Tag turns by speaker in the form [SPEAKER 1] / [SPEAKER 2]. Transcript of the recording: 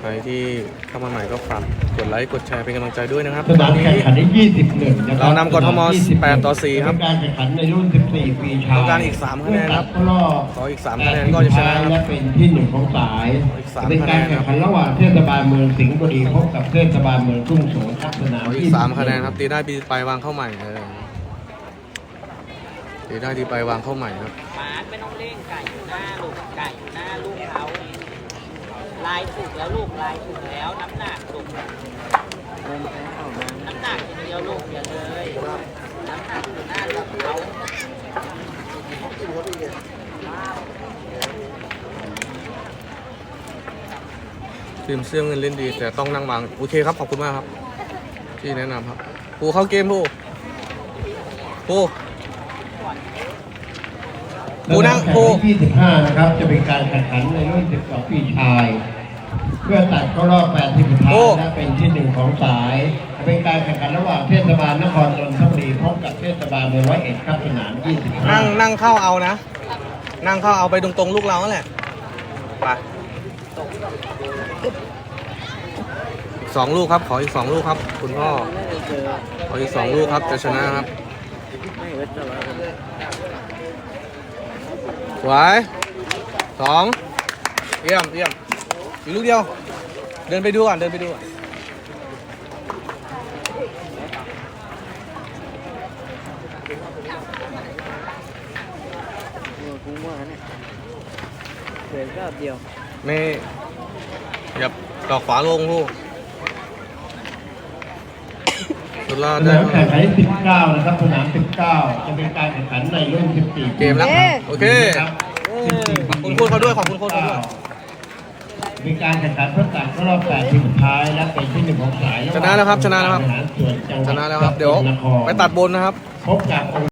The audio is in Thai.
[SPEAKER 1] ใครที่เข้ามาใหม่ก็ฝากกดไลค์กดแชร์เป็นกำลังใจด้วยนะครับ
[SPEAKER 2] สนามแข่งขันได้21นะครับ
[SPEAKER 1] เรานำกทม8-4ครับ
[SPEAKER 2] เป็นการแข่งขันในรุ่น14ปีชาย
[SPEAKER 1] ต้องการอีก3คะแนนครับ
[SPEAKER 2] เข้ารอบ
[SPEAKER 1] ขออีก3คะแนนก็จะชนะครับ
[SPEAKER 2] และเป็นที่1ของสาย
[SPEAKER 1] อีก3
[SPEAKER 2] เป็นการแข่งขันระหว่างเทศบาลเมืองสิงห์บุรีพบกับเทศบาลเมืองทุ่งสงศ์ครับสนาม
[SPEAKER 1] ขออีก3คะแนนครับตีได้ตีไปวางเข้าใหม่ตีได้ตีไปวางเข้าใหม่ครับ
[SPEAKER 3] บาสไม่ต้องเร่งไก่อยู่หน้าลูกไก่อยู่หน้าลูกเขาลายถูกแล้วลูกลายถูกแล้วน้ำหนักลูกน้ำหนักอย่างเดียวลูกอย่าเลยน้ำหนักอยู่หน้าลูกเขา
[SPEAKER 1] ทีมเสื้อเงินเล่นดีแต่ต้องนั่งวางโอเคครับขอบคุณมากครับที่แนะนำครับผู้เข้าเกมผู้นั่งผู้
[SPEAKER 2] 25นะครับจะเป็นการแข่งขันในรุ่น12ปีชาย เพื่อตัดเข้ารอบ8ทีมสุดท้ายและเป็นที่1ของสายจะเป็นการแข่งขันระหว่างเทศบาลนครนนทบุรีพบกับเทศบาลเมือง101ครับสนาม25
[SPEAKER 1] นั่งเข้าเอานะนั่งเข้าเอาไปตรงๆลูกเรานั่นแหละไปอีก2 ลูกครับขออีก2 ลูกครับคุณพ่อขออีก2 ลูกครับจะชนะครับสวย2เยี่ยมอีกลูกเดียวเดินไปดูก่อน
[SPEAKER 3] กูว่าเนี่ยเหลือก็เดียว
[SPEAKER 1] ไม่อย่าต่อขวาลงลูกสุดยอด
[SPEAKER 2] ส
[SPEAKER 1] ได้
[SPEAKER 2] นามแข่งขันที่19นะครับสนาม19จะเป็นการแข่งขันในรุ่น14
[SPEAKER 1] เกมแล้วโอเค
[SPEAKER 2] ครับ
[SPEAKER 1] ขอบคุณโค้ชเขาด้วยขอบคุณโค้ชเขาด้วย
[SPEAKER 2] มีการแข่งขันเพื่อตัดเข้ารอบ8ทีมสุดท้ายและเป็นที่1ของสาย
[SPEAKER 1] ชนะแล้วครับชนะแล้วครับ
[SPEAKER 2] บริหารส่วนจังหวัด
[SPEAKER 1] ชนะแล้วครับเดี๋ยวไปตัดบนนะครับ
[SPEAKER 2] พบกับ